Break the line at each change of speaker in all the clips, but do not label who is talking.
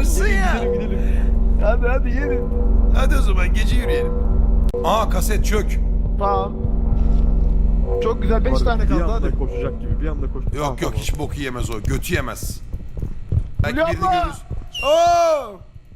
Yaşarsın ya.
Gidelim gidelim. Hadi gelin.
Hadi o zaman gece yürüyelim. Aa kaset çök.
Tamam. Çok güzel 5 tane
Bir
kaldı
anda
hadi.
koşacak gibi bir anda koş.
Yok yok hiç boku yemez o. Götü yemez. Belki
Hülya
birini
abla!
görürüz. Oo!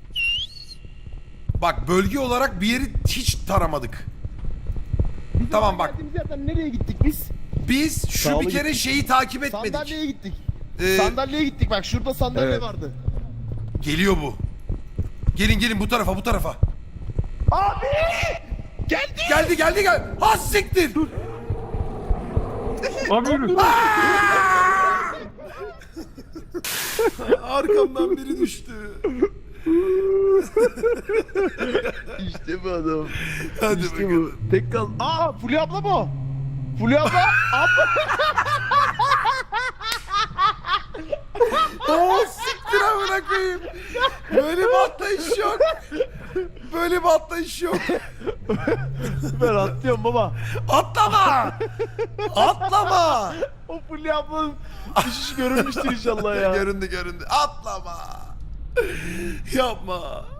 Bak bölge olarak bir yeri hiç taramadık. Tamam bak.
Geldiğimiz yerden nereye gittik biz?
Biz şu
Sağlı
bir kere
gittik.
şeyi takip etmedik.
Sandalyeye gittik.
Ee,
Sandalyeye gittik bak şurada sandalye
Evet.
vardı.
Geliyor bu. Gelin gelin bu tarafa bu tarafa.
Abi! Geldi!
Geldi. Ha siktir.
Abi yürü.
Arkamdan biri düştü.
İşte bu adam.
Hadi
İşte
bakalım.
bu. Tek kal. Aa Fulya abla mı o? Fulya abla. abla.
Oo siktir amına koyayım. Böyle bir atlayış yok. Böyle bir atlayış yok.
Ben atlıyorum baba.
Atlama. Atlama.
O Fulya ablanın düşüşü görünmüştür inşallah ya.
Göründü. Atlama. Yapma.